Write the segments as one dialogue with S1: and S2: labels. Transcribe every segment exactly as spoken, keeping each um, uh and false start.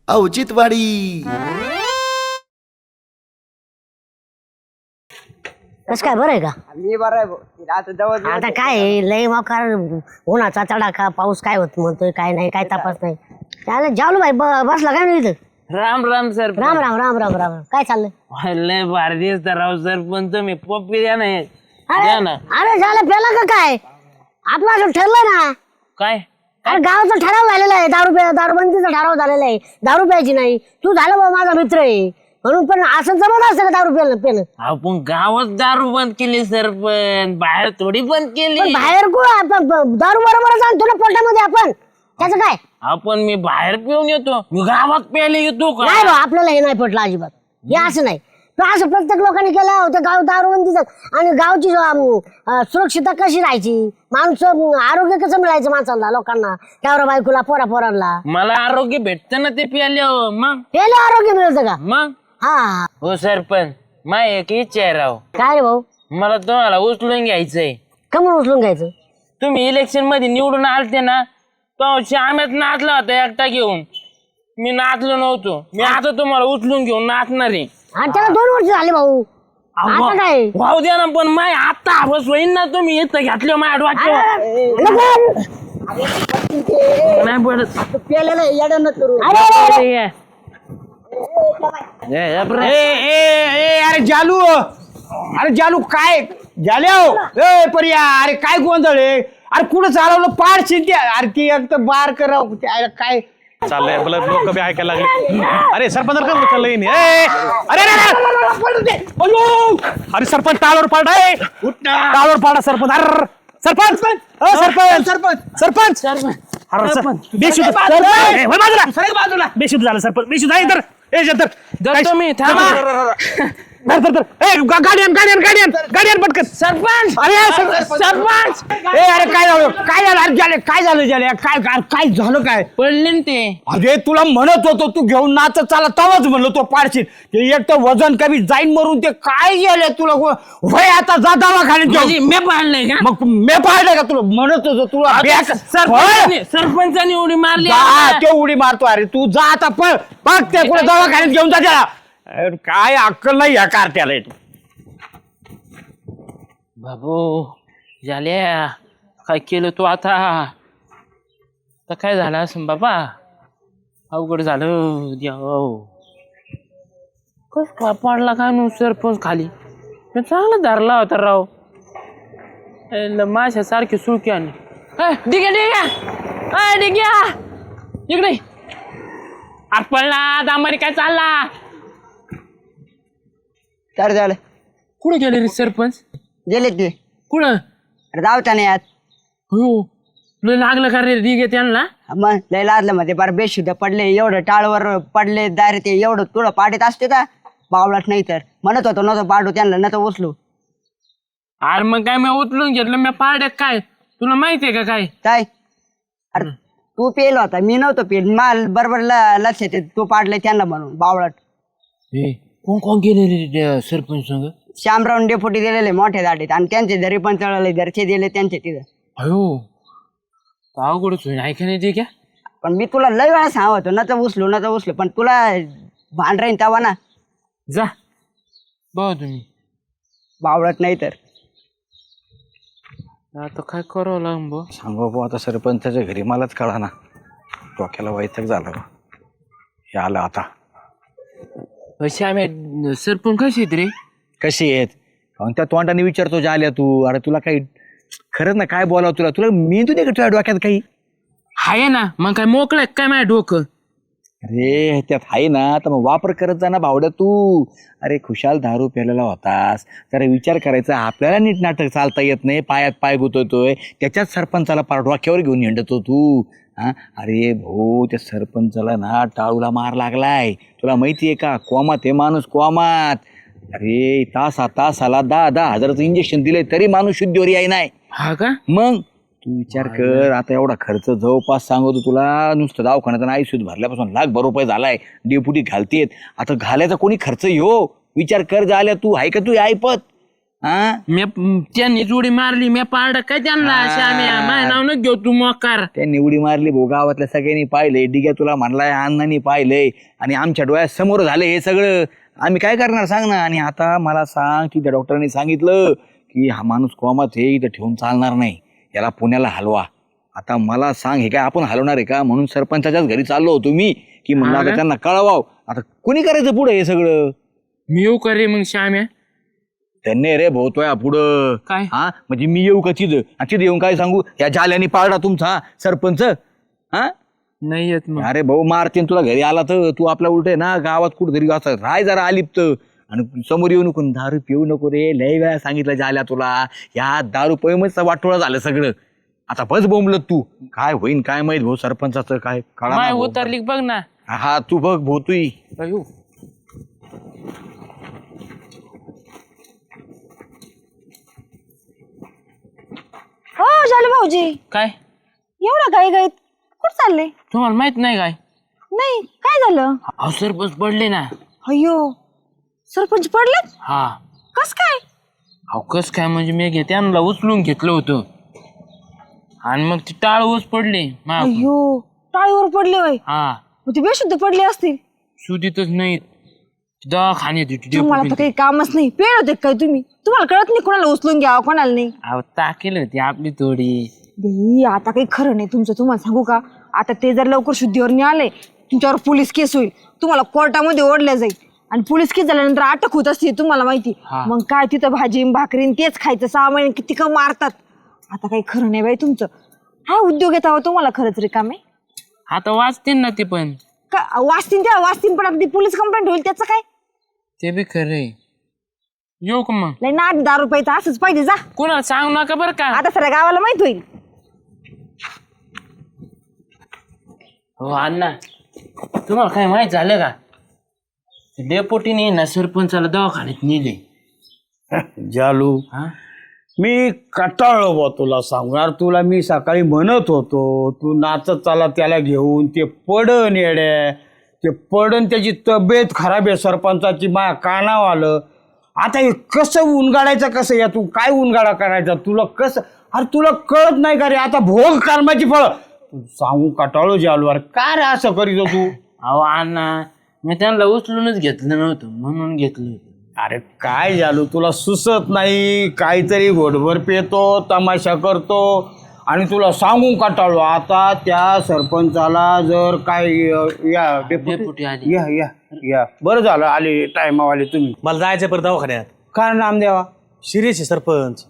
S1: औचित्यवाडी.
S2: कस काय बरं आहे का?
S3: मी बरं आहे भाऊ. आता जवळ
S2: आता काय आहे, लय मोकार उन्हाचा तडाखा, पाऊस काय होत म्हणतोय काय नाही, काय तपास नाही. चालेल जाऊ भाई, ब- बसला काय नाही इथं?
S4: राम राम सर.
S2: राम राम राम राम राम. काय चाललंय?
S4: लय भारी दिसता राव सरपंच. तुम्ही पप्पी द्या ना एक.
S2: अरे
S4: द्या ना.
S2: अरे झालं पेला का काय? आपलं असं ठरलं ना.
S4: काय
S2: अरे गावाचा ठराव झालेला आहे, दारू प्या दारूबंदीचा ठराव झालेला आहे, दारू प्यायची नाही. तू झालं बा माझा मित्र आहे म्हणून, पण असं जमत असतं का दारू प्यायला पेलं?
S4: आपण गावात दारू बंद केली सरपंच, बाहेर थोडी बंद
S2: पण
S4: केली.
S2: बाहेर को आपण ब- दारू बरोबरच आणतो ना पोटामध्ये आपण, त्याचं काय?
S4: आपण मी बाहेर पिऊन येतो, मी गावात प्यायला येतो का?
S2: नाही बा, आपल्याला हे नाही पटलं अजिबात. हे असं नाही. तो असं प्रत्येक लोकांनी केलं होतं गाव दारूबंदीचं. आणि गावची अं, सुरक्षितता कशी राहायची, माणसं आरोग्य कसं मिळायचं माणसाला, लोकांना, त्यावर बायकोला, पोरा पोरांना.
S4: मला आरोग्य भेटतं ना ते प्याले. मग
S2: त्याला आरोग्य मिळतं का?
S4: मग
S2: हा हा.
S4: हो सरपंच, माय एक इच्छा आहे राव.
S2: काय रे भाऊ?
S4: मला तुम्हाला उचलून घ्यायचंय.
S2: कमून उचलून घ्यायचं?
S4: तुम्ही इलेक्शन मध्ये निवडून आलते ना, तो श्याम्यात नाचला होता एकटा घेऊन. मी नाचलो नव्हतो. मी आता तुम्हाला उचलून घेऊन नाचणार आहे.
S2: आणि त्याला दोन वर्ष झाले भाऊ. आता काय?
S4: वाहू द्या ना, पण माय आता हवस होईन ना. तुम्ही इथं घातलं माझ्या डोक्यावर. नाही पडत.
S3: पेलेलं येडं न करू.
S4: अरे
S5: अरे जालू, अरे जालू काय झाल्या? ए पर्या, अरे काय गोंधळ आहे? अरे कुठं चालवलं पाड शिंदे? अरे ती एक तर बार करा काय
S6: चाललंय आपलं, लोक बी ऐकायला लागले. अरे सरपंच का चाललंय नाही? ए, अरे अरे, अरे अयो! अरे सरपंच टाळवर पाडा, टाळवर पाडा सरपंच. अरे सरपंच, अ, सरपंच सरपंच सरपंच अरे सरपंच बेशुद्ध, ए, होय बाजूला बाजूला बेशुद्ध झालं सरपंच, बेशुद्ध आहे. तर ए जंतर
S4: जातो मी, थांबा.
S6: धर धर धर. ए गा- गाडी आण, गाडी आण, गाडी आण, गाडी आण पटकन.
S4: सरपंच,
S5: अरे सर-
S4: सरपंच
S5: ए अरे काय झालं, काय झालं? अरे झाले काय झालं झाले काय काय काय झालं काय?
S4: पडले ना ते.
S5: अरे तुला म्हणत होतो तू घेऊन नाचत चाला, तवाच म्हणलो तो पाडशील. ते एक तर वजन कमी जाईन मरून. ते काय गेले तुला वय आता जा दवाखान्यात
S4: म्हणजे
S5: जाऊ.
S4: मी पाडलंय का?
S5: मग मी पाहिलं का तुला म्हणत होतो तुला बॅक-
S4: सरपंचाने सरपंचाने उडी मारली.
S5: जा, ते उडी मारतो. अरे तू जा आता, पळ बघ ते कुठे दवाखान्यात घेऊन जा त्याला. अरे काय अक्कल नाही या कार्ट्याला.
S4: बाबू झाल्या, काय केलं तू आता? तर काय झालं असं बाबा? अवघड झालं. देव, कस काय पडला काय नु सरपंच खाली? मी चांगला धरला होता राव. माशा सारखी सुळकी आणि डिग्या डिग्या डिग्या इकडे आपला दामारी काय चालला?
S3: काय झालं?
S4: कुठे गेले रे सरपंच?
S3: गेले ते.
S4: कुठं?
S3: अरे जाऊच्या नाही यात.
S4: हो, लय लागलं का रे डिगे त्यांना?
S3: मग लय लादलं मध्ये बार बेशुद्ध पडले, एवढं टाळवर पडले दारे. ते एवढं तुला पाडीत असते का बावलाच? नाही तर म्हणत होतो नव्हतं पाडू त्यांना, न तर उचलू.
S4: अरे मग काय मी उचलून घेतलं मी पाड्यात. काय तुला माहितीये का काय?
S3: काय? अरे तू पेल होता, मी नव्हतो पेल. माल बरोबर ल- लक्षात येत तू पाडले त्यांना म्हणून बावळट.
S4: कोण कोण गेले रे सरपंच संग?
S3: श्यामराव डेपुटी दिलेले मोठ्या दाडीत, आणि त्यांचे घरी पण चढवले, घरचे दिले त्यांचे तिथं.
S4: अयो, अवघडच होईल. ऐका नाही ते क्या?
S3: पण मी तुला लय वेळा सांगतो न तर उचलू न तर उचलू, पण तुला भांड राहीन तवा ना.
S4: जा बघा तुम्ही.
S5: बावळत नाही तर
S4: आता काय करावं लागेल बो?
S6: सांगू भाऊ आता सरपंचाच्या घरी मलाच कळा ना, डोक्याला वैताग झालं. हे आलं आता.
S4: अशी आम्ही सरपंच कशी आहेत रे?
S6: कशी आहेत? आणि त्या तोंडाने विचारतो जा आल्या तू. अरे तुला काही खरंच ना काय बोलावं तुला? तुला मेंदू दे का तुझ्या डोक्यात काही?
S4: आहे ना, मग काय मोकळं काय माझ्या डोकं?
S6: अरे त्यात आहे ना, तर मग वापर करत जा ना भावड्या तू. अरे खुशाल दारू प्यायलेला होतास, जरा विचार करायचा. आपल्याला नीट नाटक चालता येत नाही, पायात पाय गुतवतोय, त्याच्यात सरपंचाला पार डोक्यावर घेऊन हिंडतो तू. हा अरे भाऊ, त्या सरपंचाला ना टाळूला मार लागलाय. तुला माहिती आहे का? कोमात हे माणूस कोमात. अरे तासा तासाला दहा दहा हजाराचं इंजेक्शन दिलंय तरी माणूस शुद्धीवर याय नाही.
S4: हा का?
S6: मग तू विचार कर, आता एवढा खर्च जवळपास सांगतो तुला, नुसतं दवाखान्यात आयुष्यात भरल्यापासून लाखभर रुपये झालाय. डेपुटी घालतेत, आता घालायचा कोणी खर्च हो? विचार कर झाल्या तू. आहे का तू ऐपत? हा
S4: मी त्यांनी जोडी मारली मी पारड काय त्यांना श्याम्या माझ्या नाव न घेऊ तू मोकार.
S6: त्यांनी उडी मारली भाऊ, गावातल्या सगळ्यांनी पाहिलंय, डिग्या तुला म्हणलाय, अण्णांनी पाहिलंय आणि आमच्या डोळ्यात समोर झालं हे सगळं. आम्ही काय करणार सांग ना. आणि आता मला सांग की त्या डॉक्टरांनी सांगितलं की हा माणूस कोमात हे इथं ठेवून चालणार नाही, याला पुण्याला हलवा. आता मला सांग हे काय आपण हलवणार आहे का? म्हणून सरपंचाच्याच घरी चाललो होतो मी की म्हणलं आता त्यांना कळवाव. आता कोणी करायचं पुढे हे सगळं?
S4: मी येऊ करे मग श्याम्या.
S6: त्यांनी रे भाऊ पुढं
S4: काय?
S6: हा म्हणजे मी येऊ का तिथं? आणि तिथं येऊन काय सांगू या जाल्याने पाळला तुमचा सरपंच? हा
S4: नाही येत मग.
S6: अरे भाऊ मारतीन तुला घरी आला तर तू आपल्या उलट ना गावात कुठेतरी असं राय जरा आलिप्त आणि समोर येऊ नको, दारू पिऊ नको रे. लय वेळा सांगितलं जाल्या तुला, या दारू पैमच वाटोळा झालं सगळं. आता बस बोंबलत तू, काय होईन काय माहित भाऊ सरपंचाचं काय कळा
S4: माय उतरली बघ ना.
S6: हा तू बघ भाऊ तू.
S4: अयो.
S1: हो झालं भाऊजी,
S4: काय
S1: एवढा गाई गाईत कुठं चालले?
S4: तुम्हाला माहित नाही काय?
S1: नाही, काय झालं?
S4: अहो सरपंच पडले ना.
S1: अयो, सरपंच पडले?
S4: हा.
S1: कस काय?
S4: अहो कस काय म्हणजे मी घे त्यांना उचलून घेतलं होतं आणि मग ती टाळ ऊस पडले मागून.
S1: अयो, टाळीवर पडले वय.
S4: हा.
S1: मग ते बेशुद्ध पडले असतील.
S4: सुधीतच नाही, दवाखान्यात होती
S1: तुम्हाला तर
S4: डेपुटी.
S1: काही कामच नाही. पेड होते काय तुम्ही? तुम्हाला कळत नाही कोणाला उचलून घ्यावं कोणाला नाही?
S4: अहो ताकेल होती आपली थोडी.
S1: देही, आता काही खरं नाही तुमचं. तुम्हाला सांगू का, आता ते जर लवकर शुद्धीवर नाही आले तुमच्यावर पोलीस केस होईल, तुम्हाला कोर्टामध्ये ओढल्या जाईल आणि पोलीस केस झाल्यानंतर अटक होत असते तुम्हाला माहिती.
S4: हा.
S1: मग काय तिथं भाजी भाकरीन तेच खायचं, सहा महिने किती का मारतात. आता काही खरं नाही बाई तुमचं. हा उद्योग येत आहोत तुम्हाला खरंच रिकामे.
S4: आता वाचतील ना ते पण.
S1: का वाचतीन त्या वाचतीन, पण आता ती पोलीस कंप्लेंट होईल त्याचं काय?
S4: ते बी खरंय. येऊ का मग?
S1: लय ना दहा रुपयाचं असंच पाहिजे. जा
S4: कोणाला सांगू नका बरं का.
S1: आता सगळ्या गावाला माहित होईल.
S4: हो अण्णा, तुम्हाला काय माहित झालं का? डेपोटीने ना सरपंचाला दवाखान्यात नेले.
S5: जालू
S4: हा.
S5: मी कटाळलो बा तुला सांगणार. तुला मी सकाळी म्हणत होतो तू नाचत चाला त्याला घेऊन, ते पडन येड्या, ते पडन त्याची तब्येत खराब आहे सरपंचाची, माझ्या कानाव आलं. आता हे कसं उनगाडायचं, कसं या तू काय उनगाडा करायचा तुला कसं? अरे तुला कळत नाही का रे? आता भोग कर्माची फळ तू सांगू कटाळो जालू. अरे काय रे असं करीत तू?
S4: अहो अण्णा, मी त्यांना उचलूनच घेतलं नव्हतं म्हणून घेतलं.
S5: अरे काय झालो तुला सुचत नाही? काहीतरी घोटभर पेतो, तमाशा करतो आणि तुला सांगू काटाळू. आता त्या सरपंचाला जर काय या
S4: डेपुटी आली.
S5: या या या बरं झालं आले टायमावाले तुम्ही.
S7: मला जायचं परत दवाखान्यात.
S5: काय नाम द्यावा?
S7: शिरीष सरपंच.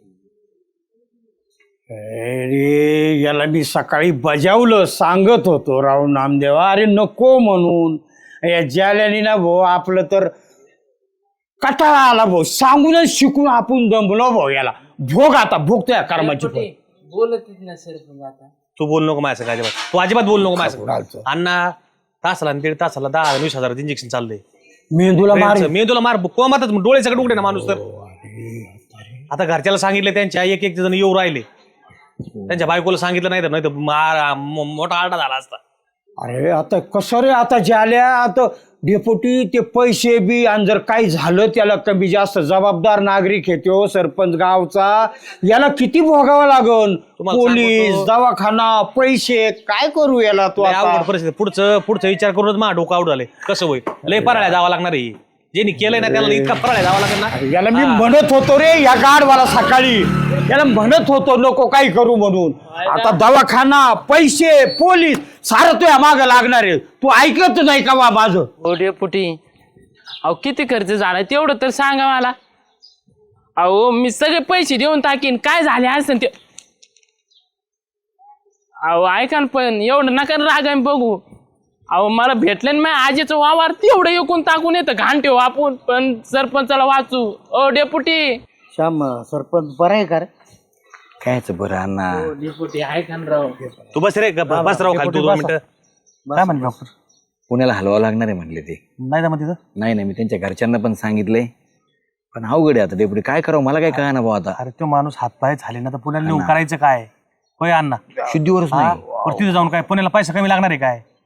S5: अरे याला मी सकाळी बजावलं, सांगत होतो राव नामदेवा, अरे नको म्हणून. या जाल्याने ना भाऊ आपलं तर कटाळा आला भाऊ, सांगूनच शिकून आपण दमलो भाऊ. याला भोग आता भोगतोय कर्माची फळ.
S4: बोलत ना सरपंच आता.
S7: तू बोल नको माझ्या संग अजिबात. तू अजिबात बोल नको माझ्या
S5: खायचं.
S7: संग. अण्णा तासाला आणि दीड तासाला दहा वीस हजार इंजेक्शन चाललंय.
S5: मेंदूला मार.
S7: मेंदूला मार कोमातच डोळे सगळे उघडे ना माणूस तर. आता घरच्याला सांगितलं, त्यांच्या एक एक जण येऊ राहिले. त्यांच्या बायकोला सांगितलं नाही तर नाही तर मार मो- मोठा आरडा झाला असता.
S5: अरे आता कसं रे? आता ज्याल्या आता डेपुटी ते पैसे बी, आणि जर काही झालं त्याला कमी जास्त जबाबदार नागरिक आहे तो सरपंच गावचा, याला किती भोगावं लागल?
S7: तुम्हाला
S5: पोलीस,
S7: सांगतो.
S5: दवाखाना, पैसे, काय करू याला तो
S7: लय
S5: आता?
S7: अवघड परिस्थिती. पुढचं पुढचा विचार करूनच मा डोकं आउट झाले. कसं होईल? लय पराळ्या जावं लागणार आहे. ज्यांनी केलंय ना त्याला इतका पराळ्या जावं लागेल ना.
S5: याला मी म्हणत होतो रे या गाडवाला सकाळी, याला म्हणत होतो नको काही करू म्हणून. आता दवाखाना, पैसे, पोलीस सारं तुझ्या मागं लागणार आहे. तू ऐकत नाही का बा माझं?
S4: हो डेपुटी, अहो किती खर्च झाला तेवढं तर सांगा मला. अहो मी सगळे पैसे देऊन टाकीन, काय झाले असं ते. अहो ऐका ना, पण एवढं नका रागाने बघू. अहो मला भेटलं ना माझ्या आजीचं वावर, तेवढं एकूण टाकून येतं घाण ठेवू आपण, पण सरपंचाला वाचू. ओ डेपुटी.
S5: श्याम सरपंच बरं आहे का रे?
S6: कायच बरं अण्णा.
S4: हो डेपुटी ऐका ना राव.
S7: तू बस रे ग- बस राव खाली तू दोन मिनिटं. काय म्हणले डॉक्टर?
S6: पुण्याला हलवावं लागणार आहे म्हणले ते.
S7: नाही ना तिथं.
S6: नाही नाही मी त्यांच्या घरच्यांना पण सांगितलंय, पण अवघड आहे आता डेपुटी. काय करावं मला काय कळणार भाऊ आता.
S7: अरे तो माणूस हातपाय झाले ना तर पुण्याला नेऊन करायचं काय? होय अण्णा.
S6: शुद्धीवरच
S7: हा?
S6: नाही.
S7: बरं तिथे जाऊन काय पुण्याला पैसा कमी लागणार आहे काय?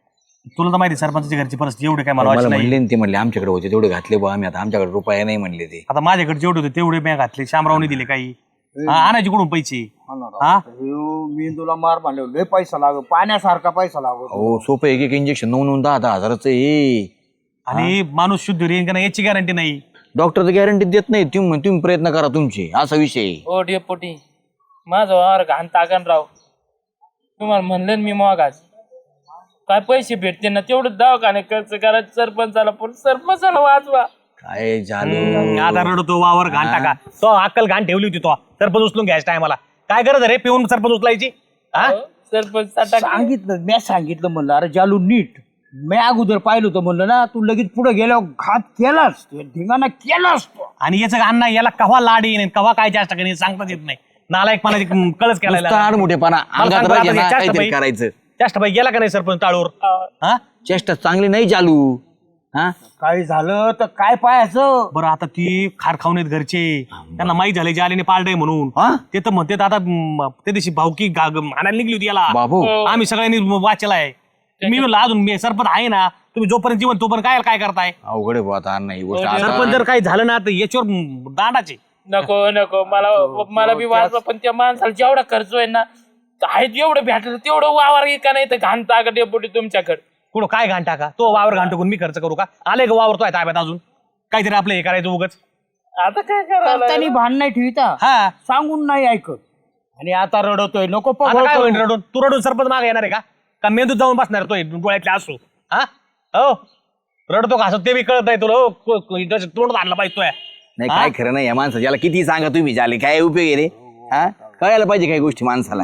S7: तुला तर माहिती सरपंचाच्या घरची परिस्थिती एवढी काय मला
S6: मला
S7: वाटत नाही.
S6: म्हणले ना ते म्हणले आमच्याकडे होते तेवढे घातले बा आम्ही आता आमच्याकडे रुपया नाही म्हणले ते.
S7: आता माझ्याकडे जेवढे होते तेवढे मी घातले, शामरावने दिले काही. हा, आणायचे कुठून पैसे? हा
S5: मी तुला मार म्हणले लय पैसा लागो, पाण्यासारखा पैसा लागो.
S6: हो सोपं एक एक इंजेक्शन नऊ नऊ दहा दहा हजाराचं हे.
S7: आणि माणूस शुद्ध रेन का नाही याची गॅरंटी नाही.
S6: डॉक्टर तर गॅरंटी देत नाही. तुम्ही तुम्ही प्रयत्न करा तुमचे, असा विषय.
S4: ओ डेपोटी माझं वावर घाण टाकन राव. तुम्हाला म्हणलं ना मी मगाच काय पैसे भेटते ना तेवढं दवाखाने खर्च करा सरपंचाला, पण सरपंचाला वाचवा.
S6: काय झालं
S7: हम्म, आता रडतो वावर घाण टाका. तो अक्कल घाण ठेवली होती तो सरपंच उचलून घ्यायच्या टायमाला. काय गरज आहे रे पिऊन सरपंच उचलायची? हा
S4: सरपंच टाका.
S5: सांगितलं मी सांगितलं म्हणलं अरे जालू नीट. मी अगोदर पाहिलं होतं म्हणलं ना, तू लगेच पुढे गेल्यावर घात केलास, धिंगाणा केलास तो.
S7: आणि याचं अण्णा याला कवा लाड येईन कवा काय जास्त करेन सांगताच येत नाही. नालायक पाण्याची कळच केला.
S6: आडमुठेपणा अंगात राहिजे ना, काहीतरी करायचं.
S7: जास्त बाई गेला का नाही सरपंच टाळूवर? हा
S6: चेष्टा चांगली नाही चालू. हा
S5: काही झालं तर काय पाहायचं.
S7: बरं आता ती खार खाऊन येत घरचे, त्यांना माहीत झाले जे आलेने पाळलंय म्हणून.
S6: हा?
S7: ते तर म्हणते आता म, त्या दिवशी भावकी गा- ग- आणायला निघली होती याला.
S6: बाबू
S7: आम्ही सगळ्यांनी वाचलाय. मी म्हणलं अजून मी सरपंच आहे ना, तुम्ही जोपर्यंत जीवन तोपर्यंत काय काय करताय?
S6: अवघड आहे बुवा आता नाही गोष्ट आता.
S7: सरपंच जर काही झालं ना तर याच्यावर म, दांडाचे.
S4: नको नको मला मला बी वाचवा, पण त्या माणसाला जेवढा खर्च आहे ना आहेत एवढं भेटलं तेवढं वावर का नाही तर घाण टाका डेपुटी तुमच्याकडे.
S7: कुठं काय घाण टाका? तो वावर घाण टाकून मी खर्च करू का? आले का वावर तो आहे ताब्यात अजून? काहीतरी आपलं हे करायचं उगच.
S4: आता काय करायला
S5: त्यांनी भांड नाही ठेविता,
S7: हा
S5: सांगून नाही ऐकत. आणि आता रडतोय नको
S7: आता
S5: पगळ
S7: काय
S5: करू.
S7: होईल रडून? तू रडून सरपंच मागे येणार आहे का? का मेंदूत जाऊन बसणार तो डोळ्यातले असू? हा हो रडतो का असं ते बी कळत नाही तुला. हो, को- को- इथं तोंड आणला पाहिजे तो.
S6: नाही काय खरं नाही या माणसाचं. याला किती सांगा तुम्ही झाले काय उपयोग आहे रे? हा कळायला पाहिजे काही गोष्टी माणसाला.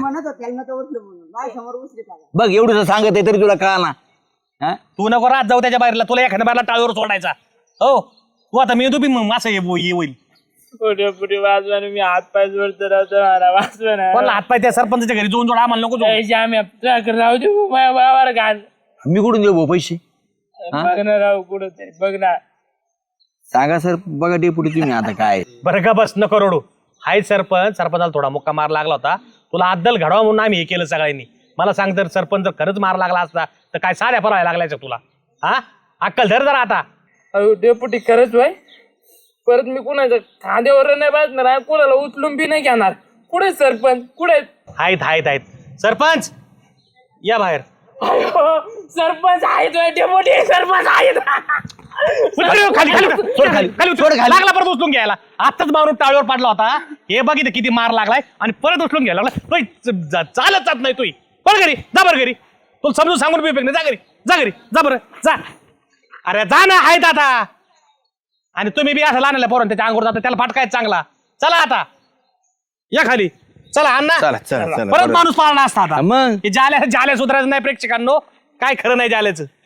S6: बघ एवढं सांगत आहे तरी तुला कळा ना. हा
S7: तू नको रात जाऊ त्याच्या बाहेरला, तुला एखाद्या बाहेरला टाळीवर सोडायचा. हो तू आता मेंदू बी मग असं हे हे होईल.
S4: ओ डेपुटी वाचवा ना, मी हात पाय जोडतो राहतो मला वाचवा ना.
S7: कोणाला हातपाय त्या सरपंचाच्या घरी जाऊन जोड, आम्हाला नको जाऊ.
S4: पैसे आम्ही तुझ्याकडे राहू दे माझ्या वावर घाण.
S6: मी कुठून देऊ भाऊ पैसे?
S4: बघ ना राहू कुठं तरी बघ ना.
S6: सांगा सर बघा डेपुटी तुम्ही आता काय.
S7: बरं का बस नको रडू. हाय सरपंच, सरपंचाला थोडा मुक्का मार लागला होता. तुला अद्दल घडवा म्हणून आम्ही हे केलं सगळ्यांनी. मला सांग तर सरपंच जर खरंच मार लागला असता तर काय साऱ्या फरायला लागलायचं तुला? हा अक्कल धर जरा आता.
S4: अहो डेपुटी खरंच भाई, परत मी कुणाच्या खांद्यावर नाही बसणार आहे, कुणाला उचलून बी नाही घेणार. कुठे सरपंच कुठे?
S7: आहेत आहेत आहेत. सरपंच या बाहेर.
S4: अहो, सरपंच आहेत होय, डेपुटी सरपंच आहेत.
S7: खाली खाली खाली सोड खाली खाली सोड खाली. लागला परत उचलून घ्यायला. आताच मारून टाळीवर पाडला होता. हे बघित किती मार लागलाय आणि परत उचलून घ्यायला लागला. तोय च- जा- चालत जात नाही तोय. बरं घरी जा, बरं घरी. तुला समजून सांगून बी नाही. जा घरी जा घरी जा बरं जा. अरे जा ना आहेत आता. आणि तुम्ही बी असं लहान पोरण त्याच्या अंगोर जाता त्याला फाटकाय चांगला. चला आता या खाली. चला अण्णा
S6: चला चला चला
S7: परत
S6: बरं.
S7: माणूस पाळला असता आता.
S6: मग
S7: हे जाल्या जाल्या सुधारायचं नाही प्रेक्षकांनो. काय खरं नाही जाल्याचं.